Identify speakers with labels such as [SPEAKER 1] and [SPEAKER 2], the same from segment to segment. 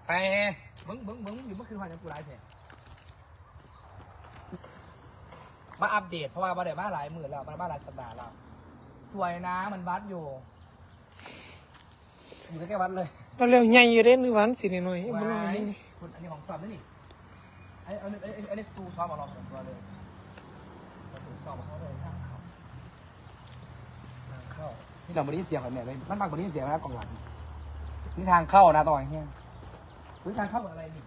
[SPEAKER 1] ไปมึงอยู่เมื่อคืนวันยังกูไลฟ์เพจมาอัปเดตเพราะว่ามาได้มาหลายหมื่นแล้วมาหลายสัปดาห์แล้วสวยนะมันวัดอยู่ใกล้ๆวัดเลย
[SPEAKER 2] เราเร็วใหญ่อยู่เด้นึกวันสิหน่อยๆบ่น้อยนี่
[SPEAKER 1] คุณอันนี้ของสอบนี่อันนี้สตูซ้อมของเราส่วนตัวเลยสตูซ้อมของเขาเลยทางเข้านี่เราบริเสียงของแม่เลยมันบางบริเสียงนะกองหลังนี่ทางเข้านะตอนนี้ทางเข้าอะไรนี่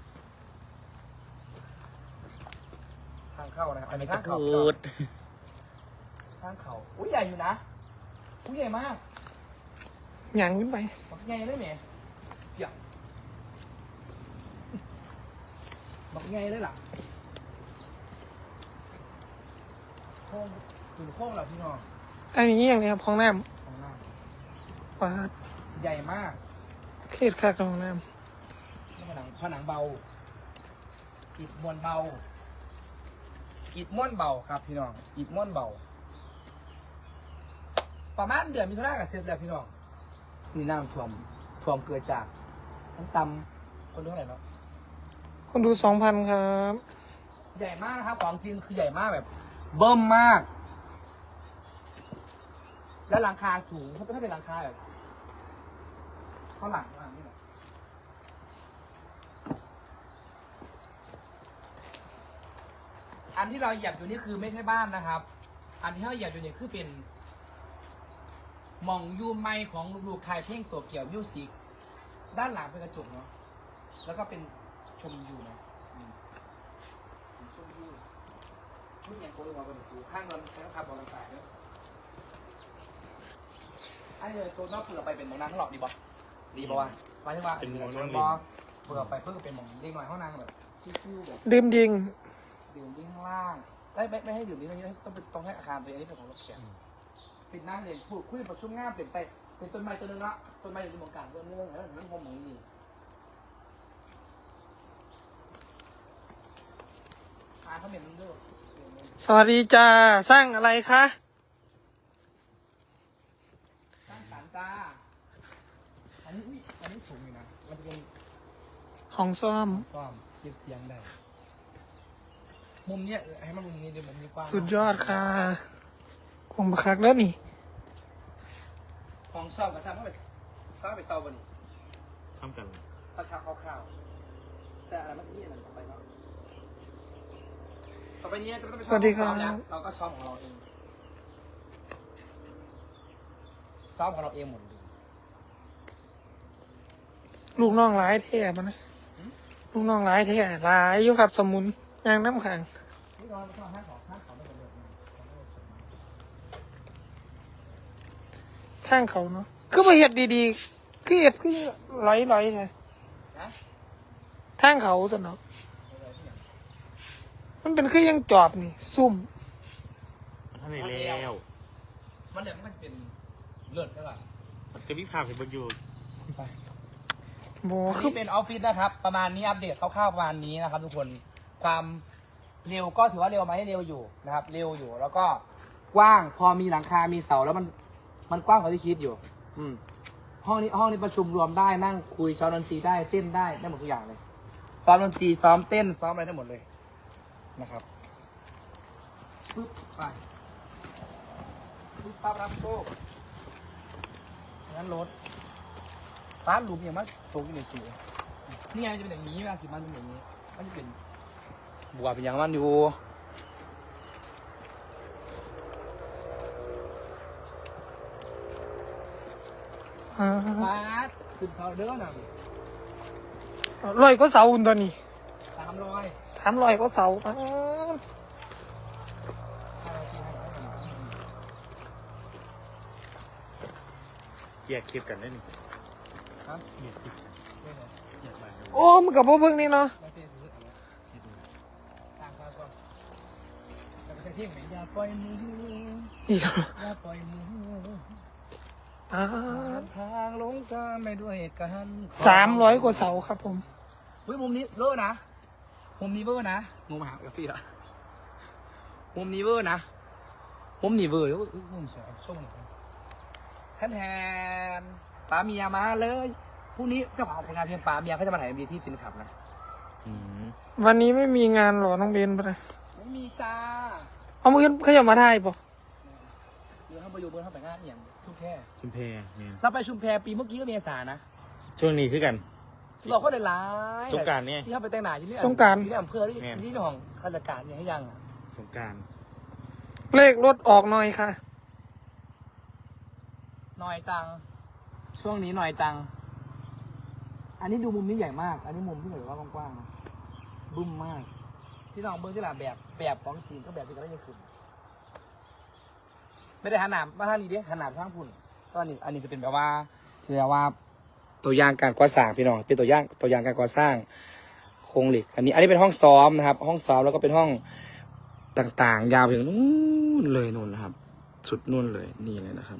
[SPEAKER 1] ทางเข้านะครับอันนี้ทางเข้าทางเข้าอุ้ยใหญ่อยู่นะอุ้ยใหญ่มาก
[SPEAKER 2] หยั่งขึ้นไป
[SPEAKER 1] บักใหญ่เลยแม่ใหญ่บักใหญ่เลยล่ะโค้งถึงโค้งเหรอพี่น้อง
[SPEAKER 2] อันนี้อย่างนี้ครับห้องน้
[SPEAKER 1] ำ
[SPEAKER 2] ปาด
[SPEAKER 1] ใหญ่มาก
[SPEAKER 2] เขตคักห้องน้ำ
[SPEAKER 1] ผนังเบาอิฐม้วนเบาอิฐม้วนเบาครับพี่น้องอิฐม้วนเบาประมาณเดือนมิถุนายนกับเสร็จแล้วพี่น้องนี่น้ำท่วมเกิดจากน้ำตำคนดูเท่าไหร่เนาะ
[SPEAKER 2] คนดู 2,000 ครับ
[SPEAKER 1] ใหญ่มากนะครับของจริงคือใหญ่มากแบบเบิ่มมากแล้วหลังคาสูงถ้าเป็นหลังคาแบบเท่าหลังนี่แหละอันที่เราเหยียบอยู่นี่คือไม่ใช่บ้านนะครับอันที่เราเหยียบอยู่นี่คือเป็นมองยูไมของลูกๆไทยเพลงตัวเกี่ยวมิวสิกด้านหลังเป็นกระจกเนาะแล้วก็เป็นชมวิวนะชมวิวนี่ยังโกยมาบนสูข้างเงินแล้วขับบอลต่างๆเนี่ยไอ้เลยตัวนอกเปลือกไปเป็นมองน้ำข้างหลอกดีป่ะดีป่ะวะหมายถึงว่าเป็นมองบอลเปลือกไปเพื่อเป็นมองเด้งหน่อยห้องน้ำแบบชิวๆแบบ
[SPEAKER 2] ดื่มดิ่ง
[SPEAKER 1] ข้างล่างไม่ให้ดื่มดิ้งอะไรต้องให้อาคารตัวนี้เป็นของรถแข่งปิดหน้าเลยพูดคุยประชุมงานเป็นต้นไม้ตัวนึงละต้นไม้อยู่ในหมู่บ้านเรื่องแล้วมันคงมองนี่เขาเป็นด้วย
[SPEAKER 2] สวัสดีจ้าสร้างอะไรคะ
[SPEAKER 1] สร้างสารตาอันนี้สูงอยู่นะมันจะเป็น
[SPEAKER 2] ห้องซ่อม
[SPEAKER 1] เก็บเสียงได้มุมเนี้ยให้มันมุมนี้ดีมุมนี้กว้าง
[SPEAKER 2] สุดยอดค่ะกวงบักคักแล้วนี่
[SPEAKER 1] ของชอบกับซ้ำเข้าไปเซาบนนี่
[SPEAKER 3] ซ้ำกัน
[SPEAKER 1] ราคาคร่าวๆแต่อะไรมันจะมีอะไรต่อไปเนาะต่อไปนี้จะต้องไปซ้อมของเราเราก็ซ้อมของเราเองซ้อมของเราเองหมดเลย
[SPEAKER 2] ลูกน้องร้ายแท้มันนะลูกน้องร้ายแท้ร้ายอยู่ครับสมุนยางน้ำขัง
[SPEAKER 1] นี่เราชอบห้างของไม่หมดเลย
[SPEAKER 2] ข้างเขาเนาะคือมาเห็ดดีๆคือเห็ดคือไหลไงทางเขาสนอมันเป็นคือยังจอบนี่ซุ่ม
[SPEAKER 3] มันทำไมแล้ว
[SPEAKER 1] มันเนี่ยมันจะเป็นเลือดใช่ป่ะ
[SPEAKER 3] มันจะวิพากษ์เป็นประโยชน์
[SPEAKER 1] ไปนี่เป็นออฟฟิศนะครับประมาณนี้อัปเดตคร่าวๆประมาณนี้นะครับทุกคนความเร็วก็ถือว่าเร็วไหมเร็วอยู่นะครับเร็วอยู่แล้วก็กว้างพอมีหลังคามีเสาแล้วมันกว้างกว่าที่คิดอยู่ห้องนี้ประชุมรวมได้นั่งคุยซ้อมดนตรีได้เต้นได้หมดทุกอย่างเลยซ้อมดนตรีซ้อมเต้นซ้อมอะไรได้หมดเลยนะครับปึ๊บไปปึ๊บปั๊บรับโชคงั้นรถร้านหลุมอย่างมากตกอยู่ในสูงนี่ไงจะเป็นอย่างนี้เวลาสิมันเป็นอย่างนี้มันจะเป็นบัวเป็นอย่างมันอยู่ขึ้นเขาเด้อหน่อย
[SPEAKER 2] ลอยก็เสาอุ่นตอนนี้300ก็เสา
[SPEAKER 3] แยกคลิปกันได้หนึ่ง
[SPEAKER 2] โอ้มันกับพวกพึ่งนี่เนาะ
[SPEAKER 1] อย่าปล่อยมืออย่าปล่อยมือทางลงทางไม่ด้วยกัน
[SPEAKER 2] 300 กว่าเสาครับผม
[SPEAKER 1] เฮ้ยมุมนี้เวอร์นะมุมนี้เวอร์นะงูมาหากาแฟละมุมนี้เวอร์นะมุมนี้เวอร์มุมสวยช่วงนี้แทนป้าเมียมาเลยพรุ่งนี้เจ้าของผลงานเพลงปลาเมียเขาจะมาถ่าย MV ที่ฟินขับนะ
[SPEAKER 3] อืม
[SPEAKER 2] วันนี้ไม่มีงานหรอน้องเบนปะเนี่ย
[SPEAKER 1] ไม่มีจ้า
[SPEAKER 2] เอามือเขาจะมาถ่ายปะ
[SPEAKER 1] เดี๋ยวเข้าไปอยู่เบอร์เข้าไปงานอย่างชุมแพ
[SPEAKER 3] ชุมแพเนี่ย
[SPEAKER 1] เราไปชุมแพปีเมื่อกี้ก็เมษานะ
[SPEAKER 3] ช่วงนี้คือกัน
[SPEAKER 1] ที่บอกเขาได้ร้าย
[SPEAKER 3] สงกรานต์เนี่ย
[SPEAKER 1] ที่เข้าไปแต่งหน้าที่นี่
[SPEAKER 2] สงกรานต์
[SPEAKER 1] ที่นี่อำเภอที่ที่ของข้าราชการเนี่ยให้ยังอะ
[SPEAKER 3] สงกราร
[SPEAKER 2] เลขรถออกหน่อยค่ะ
[SPEAKER 1] หน่อยจัง ช่วงนี้หน่อยจัง อันนี้ดูมุมนี้ใหญ่มาก อันนี้มุมที่แบบว่ากว้างๆนะบึ้มมากที่น้องเบิ้งที่หละแบบของจีนก็แบบที่กระไรยังขึ้นไม่ได้หันหนามมาทางนี้ดิหันหนามทางพุ่นก็อันนี้จะเป็นแบบว่าตัวอย่างการก่อสร้างพี่น้องเป็นตัวอย่างการก่อสร้างโครงเหล็ก อันนี้เป็นห้องซ้อมนะครับ ห้องซ้อมแล้วก็เป็นห้องต่างๆ ยาวไปถึงนู่นเลยนู่นนะครับ สุดนู่นเลยนี่เลยนะครับ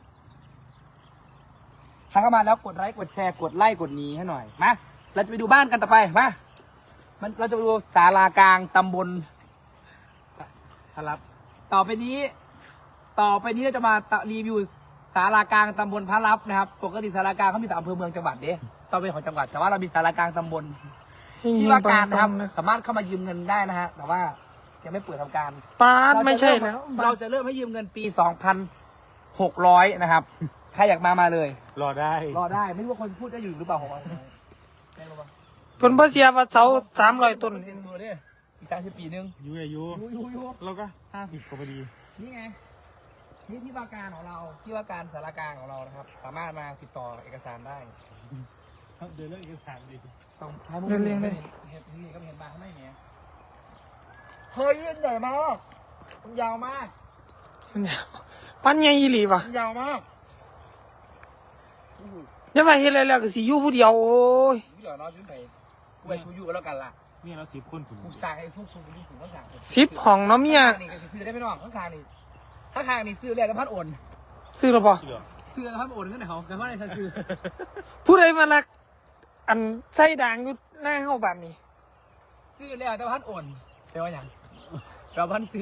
[SPEAKER 1] ถ้าเข้ามาแล้วกดไลค์กดแชร์กดไลค์กดนี้ให้หน่อยมาเราจะไปดูบ้านกันต่อไปมาเราจะไปดูศาลากลางตำบลพระรับต่อไปนี้เราจะมารีวิวศาลากลางตำบลพระรับนะครับปกติศาลากลางเขามีแต่อำเภอเมืองจังหวัดเด้ต้องเป็นของจังหวัดแต่ว่าเรามีศาลากลางตำบลที่ว่าการนะครับสามารถเข้ามายืมเงินได้นะฮะแต่ว่ายังไม่เปิดทำการ
[SPEAKER 2] ปาดไม่ใช่แล้ว
[SPEAKER 1] เราจะเริ่มให้ยืมเงินปี 2,600 นะครับ ใครอยากมาเลย
[SPEAKER 3] รอได้
[SPEAKER 1] รอได้ ไม่รู้ว่าคนพูดได้อยู่หรือเปล่าของเราได้รู้ปะ
[SPEAKER 2] ผลพระเสียว่าเสา300 ต้น
[SPEAKER 1] เป็นตัวเนี่ยอีก30 ปีนึง
[SPEAKER 3] อายุ
[SPEAKER 1] ยู
[SPEAKER 3] เราก็50กว่าพอดี
[SPEAKER 1] นี่ไง นี่ที่ว่าการของเรา ที่ว่าการสารกลางของเรานะครับ สามารถมาติดต่อเอกสารได้
[SPEAKER 3] เดินเรื่องเอกสารดี
[SPEAKER 1] ต้องให้มึง
[SPEAKER 2] เรียนเลย
[SPEAKER 1] เห็นนี่ก็เห็นบางไม่เนี้ยเฮ้ยใหญ่มากมันยาวมาก
[SPEAKER 2] ปันใหญ่อีหลีป่ะ
[SPEAKER 1] มันยาวมาก
[SPEAKER 2] อย่าไปเฮ็ดอะไรแล้วก็สิอยู่ผู้เดียวโอ้ย
[SPEAKER 1] นี่เหรอน้องขึ้นไปกูไปชูยูกันแล้วกันล่ะ
[SPEAKER 3] นี่เรา10 คนถึง
[SPEAKER 1] กูสั่งให้พวกซูนี่ถึงข้างหลัง
[SPEAKER 2] 10ห้องเนาะเมีย
[SPEAKER 1] ข้างนี่ก็ซื้อได้ไม่น้องข้างนี่ซื้อแล้วแต่พัดโอน
[SPEAKER 2] ซื้อหรือเปล่า
[SPEAKER 3] เหรอ
[SPEAKER 1] ซื้อแล้วพัดโอนกันไหนเขาแต่ว่าในฉันซื้อ
[SPEAKER 2] ผู้ใดมาลักอันใส่ด่างอยู่หน้าเฮาบ้านนี้
[SPEAKER 1] ซื้อแล้วแต่พัดโอนแปลว่าอย่างเราพันซื้อ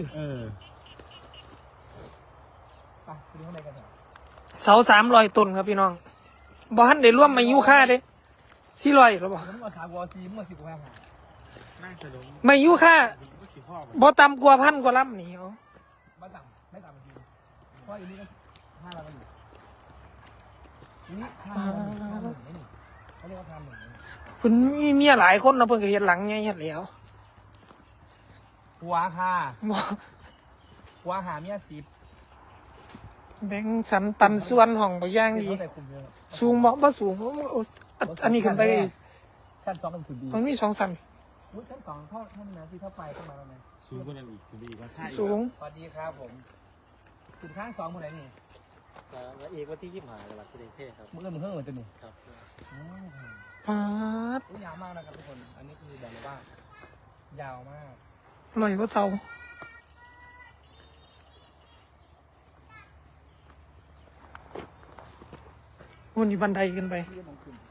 [SPEAKER 1] ไปดูข้างในกันเถอะ
[SPEAKER 2] เสา300 ต้นครับพี่น้องบ่ทันได้รวมอายุค่าเด้400หรือเปล่า
[SPEAKER 1] ผมก็ถามว่าทีมเมื่อ10 กว่าหา
[SPEAKER 3] น่าจะลง
[SPEAKER 2] ไม่อายุค่า
[SPEAKER 3] ก็ขี่พ่อ
[SPEAKER 2] บ่ต่ำกว่า1,000 กว่าลำนี่เอา
[SPEAKER 1] ไม่ต่ำทีเพราะอันนี้ก็5 เราอยู่นี่5 เรา1นี่เขาเรียกว่า5 1นี่
[SPEAKER 2] เพิ่นมีเมียหลายคนเนาะเพิ่นก็เฮ็ดหลังใหญ่เฮ็ดแล้ว
[SPEAKER 1] หัวค่ะ
[SPEAKER 2] บ่
[SPEAKER 1] หัวหาเมีย10
[SPEAKER 2] แบ่งสรรปันส่วนห้องบ่อย่างดี
[SPEAKER 1] เขาใส่คุมเยอะ
[SPEAKER 2] สูงบ่สูงอันนี้ขึ้นไป
[SPEAKER 1] ชั้น 2กันคือดี
[SPEAKER 2] มันมี2ชั้น
[SPEAKER 1] ชั้น 2เท่านี้นะที่เท่าไปเข้ามาแล้วไหม
[SPEAKER 3] สูงกว่านั้นอีกคุณดีว่า
[SPEAKER 2] สูง
[SPEAKER 1] สวัสดีครับผมถึงข้าง2หมดเลยนี่
[SPEAKER 4] แล้วอีกวันที่25จังหวัดสุรินทร์เทพครับ
[SPEAKER 1] มือมือเหมือนตัวนี้
[SPEAKER 4] ครับ
[SPEAKER 2] ปาด
[SPEAKER 1] ยาวมากนะครับทุกคน อันนี้คือบอกเลยว่า ยาวมาก
[SPEAKER 2] ลอยกว่าเสาวันนี้บันไดขึ้นไป
[SPEAKER 1] ที่มันขึ้น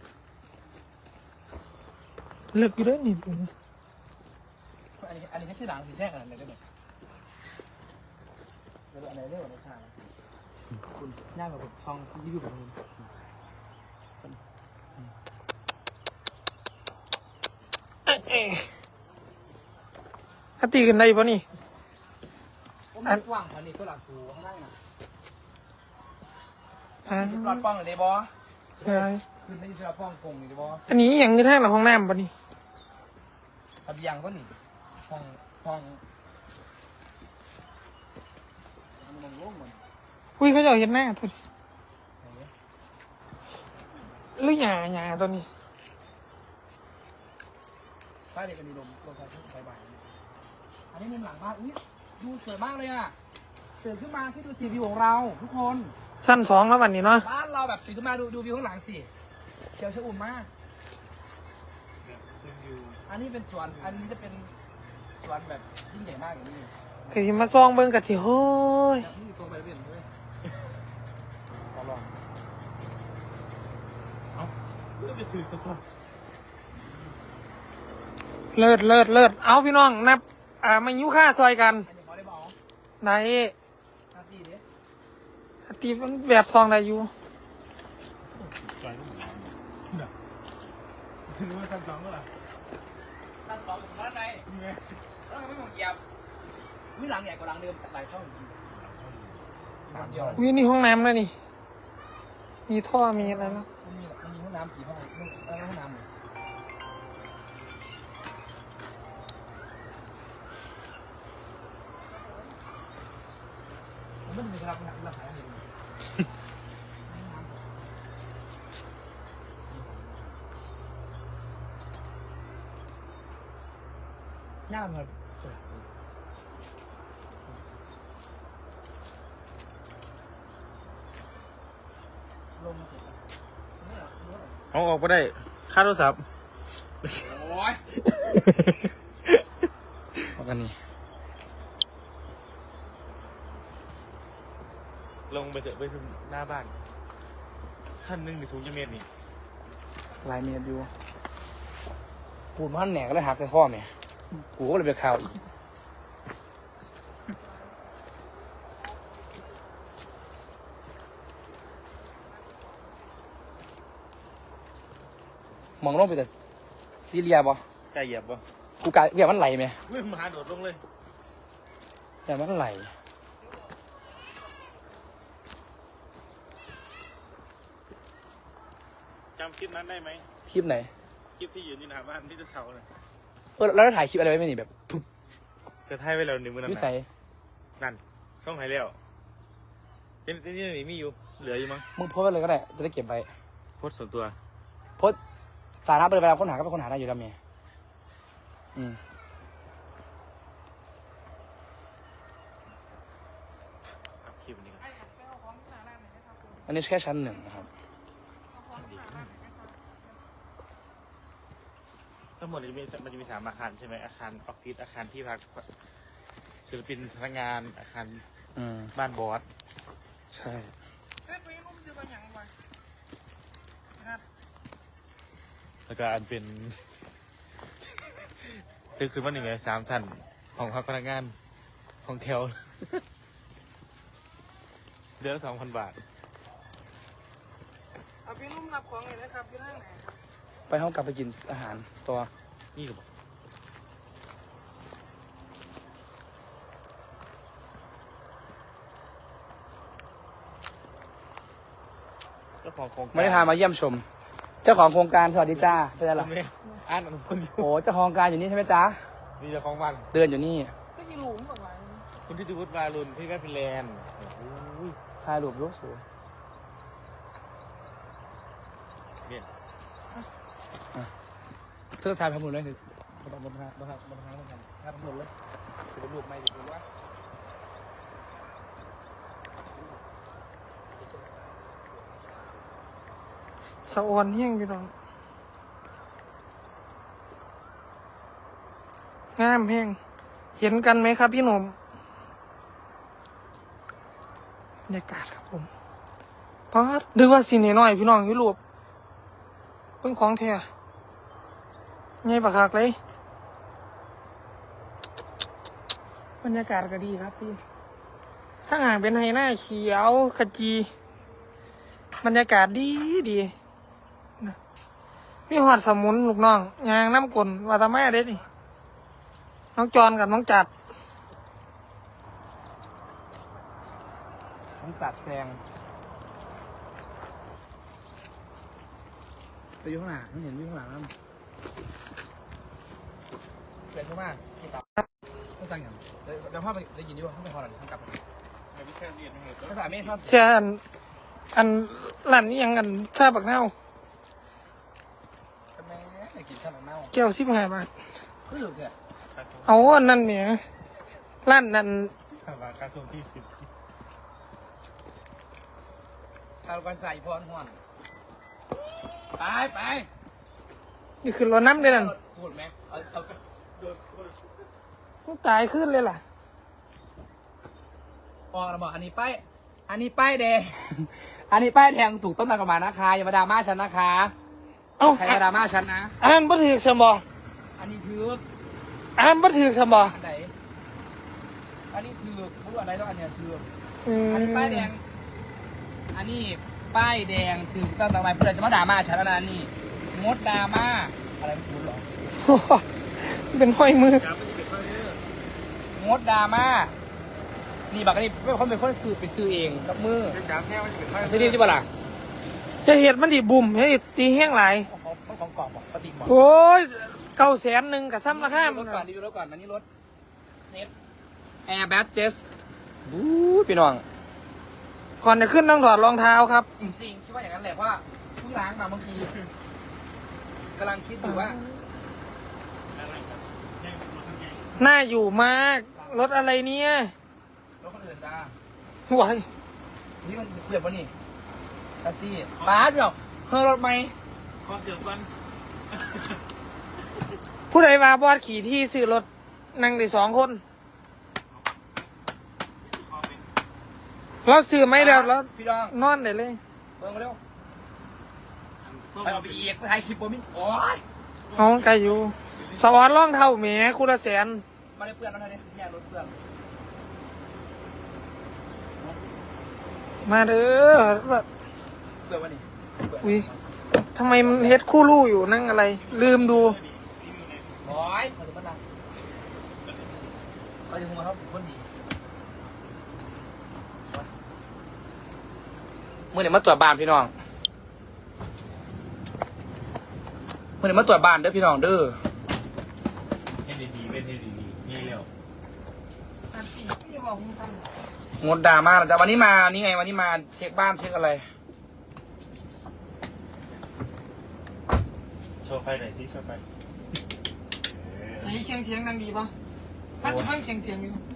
[SPEAKER 2] เลิกอยู่เด้อนี่
[SPEAKER 1] อันนี้แค่ที่หลังสีแทรกอะไรได้ไหมแล้วอันไหนเรียกว่าราคาคุณย่างกับช่องรีวิวแบบนี้
[SPEAKER 2] ถ้าตีกันได้ปะนี่
[SPEAKER 1] อันกว้างอันนี้ก็หลักสูงข้างล่างนะ รอดป้องหรือเดบอ
[SPEAKER 2] ใช่
[SPEAKER 1] คือไม่ใช่รอดป้องกงหรือเดบอ
[SPEAKER 2] อันนี้อย่างนี้แท่งหลังห้องน้ำปะนี่
[SPEAKER 1] ระเบียงก็หนีห้องมันโล่งเหมือน
[SPEAKER 2] อุ้ยเขาจะเอาเห็นหน้าตัวนี้หรือหยาตัวนี้
[SPEAKER 1] บ้านเด็กอันนี้ลมไฟบ่ายอันนี้มุมหลังบ้านอุ้ยดูสวยมากเลยอ่ะตื่นขึ้นมาที่ดูสีวิวของเราทุกคน
[SPEAKER 2] สั้น2แล้ววันนี้เนาะ
[SPEAKER 1] บ้านเราแบบตื่นขึ้นมาดูวิวข้างหลังสิเขียวชอุ่มมาก อันนี้เป็นสวน อันนี้จะเป็นสวนแบบยิ่งใหญ่มากอย่างนี้
[SPEAKER 2] ก็สิมาซองเบิ่งกะทิเฮ้ย
[SPEAKER 1] นี่มีตัวใบเบี่ยนด้วยขอลอง
[SPEAKER 3] เพื่อไปถือสต๊อก
[SPEAKER 2] เลิศเอาพี่น้องนับมายุค่าซอยกัน
[SPEAKER 1] อันนี้ขอได้บอก
[SPEAKER 2] ไหน
[SPEAKER 1] หน้าที่ดิ
[SPEAKER 2] ตีมันแบบทองได้อยู่
[SPEAKER 3] ไปต้องหารู้ว่าชั้นสองก็เหรอ
[SPEAKER 1] ชั้น2ผมว่าไง
[SPEAKER 3] นี่ไง
[SPEAKER 1] แล้วไม่มองเหยียบวิหลังใหญ่กว่าหลังเดิมสักหลายเท่าจริงๆเดียว
[SPEAKER 2] วินี่ห้องน้ำแล้วนี่มีท่อมีอะไรแล้ว
[SPEAKER 1] มันมีห้องน้ำกี่ห้องแล้วห้องน้ำเลยมันไม่มีกระดับหนักระดับไหนเลยหน้ามันลง
[SPEAKER 3] เอาออกไปได้ค่าโทรศัพท์
[SPEAKER 1] โอ้ยว่ากันนี่
[SPEAKER 3] ลงไปเถอะไปถึงหน้าบ้านชั้นหนึ่งในสูงจะเมตรนี่
[SPEAKER 1] ลายเมียอยู่พูดมันแหนกก็เลยหักใส่ข้อแม่กูก็เลยไปข่าวอีกมองลงไปแต่ซีเรียบ่
[SPEAKER 3] ใจเหยียบปะ
[SPEAKER 1] กูกะอยากมันไหลไหม
[SPEAKER 3] ไม่มาโดดลงเลย
[SPEAKER 1] อยากมันไหล
[SPEAKER 3] จำคลิปนั้นได้ไหม
[SPEAKER 1] คลิปไหน
[SPEAKER 3] คลิปที่ยืนอยู่หน้าบ้านที่จะเสาเลย
[SPEAKER 1] แล้วถ่ายคลิปอะไรไว้ไหมนี่แบบปุ๊บ
[SPEAKER 3] กระทายไว้แล้วหนึ่งมือนั่น
[SPEAKER 1] วิ
[SPEAKER 3] น่ะ
[SPEAKER 1] สัย
[SPEAKER 3] นั่นช่องไหนแล้วที่นี่มีอยู่เหลืออยู่มั้ง
[SPEAKER 1] มึงโพสต์ไว้เลยก็ได้จะได้เก็บไว้
[SPEAKER 3] โพสต์ส่วนตัว
[SPEAKER 1] โพสต์สาธารณะไปเลยเวลาค้นหาก็ไปค้นหาได้อยู่แล้วเมียอืม
[SPEAKER 3] อัพคลิปนี้ครับ
[SPEAKER 1] อันนี้แค่ชั้น 1นะครับ
[SPEAKER 3] ทั้งหมดมันจะมี3อาคารใช่ไหมอาคารออฟฟิศอาคารที่พักศิลปินพนักงานอาคาร
[SPEAKER 1] อืม
[SPEAKER 3] บ้านบอส
[SPEAKER 1] ใช่
[SPEAKER 3] แล้วก็อันเป็น คือมันหนึ่งไง3 ชั้นของพักพนักงานของแถว เดือนละ 2,000 บาท
[SPEAKER 2] เอาพี่นุ่มรับของเลยนะครับพี่นั่งไหน
[SPEAKER 1] ไปห้องกลับไปกินอาหารตัว
[SPEAKER 3] นี่ก็บอกเจ้าของโครงการ
[SPEAKER 1] ไม่ได้พามาเยี่ยมชม เจ้าของโครงการสวัสดีจ้าเป็นอะไร
[SPEAKER 3] คุณแม่อ่านอนุพลอยู่
[SPEAKER 1] โอ้เจ้าของโครงการอยู่นี่ใช่ไหมจ๊ะ
[SPEAKER 3] นี่เจ้าของบ้าน
[SPEAKER 1] เดินอยู่นี่
[SPEAKER 2] ก็ยีหลุมออกมา
[SPEAKER 3] คุณทิติวุฒิวารุณพี่แม่ฟินแลนด์โอ้ย
[SPEAKER 1] ถ่ายรูปรูปสวย
[SPEAKER 3] เนี่ย
[SPEAKER 1] เธอถ่ายพมุนเลยคือต้องบนทางเหมือนกันถ่ายพมุนเลยสิบรูปไม่สิบรูปวะ
[SPEAKER 2] สะออนเฮี้ยงพี่น้องงามแห้งเห็นกันไหมครับพี่หนุ่มบรรยากาศครับผมป๊าดนึกว่าสินหน่อยพี่น้องยุโรปเพิ่งของแท้ไงปะคักเลยบรรยากาศก็ดีครับพี่ถ้าห่างเป็นไฮหน้าเขียวขจีบรรยากาศดีดีนะมีหอดสมุนลูกน้องยางน้ำกลนวาตาแม่เด็ดนี่น้องจอนกับน้องจัด
[SPEAKER 1] ต้องจัดแจงไปอยู่ข้างหลังเห็นอยู่ข้างหลังนั่นเปลี่ยนเข้ามาพี่ต่อไม่สั่งอย่างเดี๋ยวพ่อไปได้ยินอยู่ต้องไปพอหน่อยต้องกลับ
[SPEAKER 3] ไม่ใช่เรียนไม่เหรอ
[SPEAKER 1] ภาษาไม่ชอบ
[SPEAKER 2] เชื่ออันร้านนี้ยังอันชาบักเน่า
[SPEAKER 1] จะแม่ไปกินข้าวเน่า
[SPEAKER 2] แก้ว15 บาท
[SPEAKER 1] ก็อยู่แค่
[SPEAKER 3] ค่าส่ง
[SPEAKER 2] เอาอันนั่นเนี่ยร้านนั้น
[SPEAKER 3] ค่าส่ง40
[SPEAKER 1] ทานกันใจพรห่อนไปไป
[SPEAKER 2] นี่คือรถน้ำเลยนั่น
[SPEAKER 1] พูดไหมเอา
[SPEAKER 2] ต้องตายขึ้นเลยล่ะ
[SPEAKER 1] พอเราบอกอันนี้ป้ายแดง อันนี้ป้ายแดงถูกต้องตามกฎหมายนะคะอย่ามาดราม่าฉันนะคะ
[SPEAKER 2] เอ้า
[SPEAKER 1] ใครมาดราม่าฉันนะ
[SPEAKER 2] อันนั้นบ่ถือสมบ
[SPEAKER 1] อันนี้ถือ
[SPEAKER 2] อันนั้นบ่ถือสมบ
[SPEAKER 1] อันไหนอันนี้ถือพูดอันไหนแล้วอันเนี้ยถืออันนี้ป้ายแดง อันนี้ป้ายแดงถือต้องตามกฎหมายเพื่อจะมาดราม่าฉันแล้วนะนี่งดดราม่าอะไรไม่รู้หรอ
[SPEAKER 2] เป็นห้อยมือ
[SPEAKER 1] งดดราม่านี่บักนี่เป็นคนซื้อไปซื้อเองกับมือ
[SPEAKER 3] เป็นการแค่ว่าจะเป็น
[SPEAKER 1] ซื้อดีใช่ปะล่ะ
[SPEAKER 2] จะเห็ดมันดิบุ่มให้ตีแห้งหลาย
[SPEAKER 1] ของกรอบบอกปฏิบอก
[SPEAKER 2] โอ้ย900,000กับซ้ำราคา
[SPEAKER 1] รี
[SPEAKER 2] มั
[SPEAKER 1] วิ
[SPEAKER 2] น
[SPEAKER 1] วรถก่อนรีวิวรถก่อนมันนี่รถเจ็ตแอร์แบทเจสบู๊พี่น้อง
[SPEAKER 2] ก่อนจะขึ้นต้องถอดรองเท้าครับ
[SPEAKER 1] จริงๆคิดว่าอย่างนั้นแหละเพราะว่าเพิ่งล้างมาบางทีกำลังคิดอยู่ว่า
[SPEAKER 2] น่าอยู่มากรถอะไรเนี่ย
[SPEAKER 1] รถคนอื่นจ้า
[SPEAKER 2] หวาย
[SPEAKER 1] นี่มันเกือบวะนี่ตัตตี้ป้าพี่น้องเฮ้ยรถไหม
[SPEAKER 3] ขอเกือบวัน
[SPEAKER 2] ผู้ใดมาบอดขี่ที่ซื้อรถนั่งได้2 คนเราซื้อไม่แล้วแล้ว
[SPEAKER 1] พี่น้อง
[SPEAKER 2] นอนได้เลย
[SPEAKER 1] เบิ่งมาเร็วไปเอาไปอีกไปถ่ายคลิปโบมิโอ้ย
[SPEAKER 2] เอาไกลอยู่สวรรค์ร่องเท่าแหมคูละ100,000
[SPEAKER 1] มาได้เพื่อนแล้วท่านนี่เนี่ยรถเพื่อน
[SPEAKER 2] มาเด้อแบบ
[SPEAKER 1] เพื่อนวะนี่เพื่อน
[SPEAKER 2] อุ้ยทำไมมันเฮ็ดคู่ลู่อยู่นั่งอะไร ลืมดู
[SPEAKER 1] โอ้ยเขาจะมาดังเขาจะหัวเขาคนดีเมื่อไหร่มาตรวจบ้านพี่น้องเมื่อไหร่มาตรวจบ้านเด้อพี่น้องเด้อ
[SPEAKER 3] เฮ็ดดีๆเป็นเฮ็ดดีๆง่ายเร็ว
[SPEAKER 1] งดดราม่านะจ๊ะวันนี้มานี่ไงวันนี้มาเช็คบ้านเช็คอะไร
[SPEAKER 3] โชว์ไฟหน่อยสิโชว์ไฟ
[SPEAKER 2] อันนี้เคียงเสียงดังดีปะพัดฟังเคียงเสียงอยู่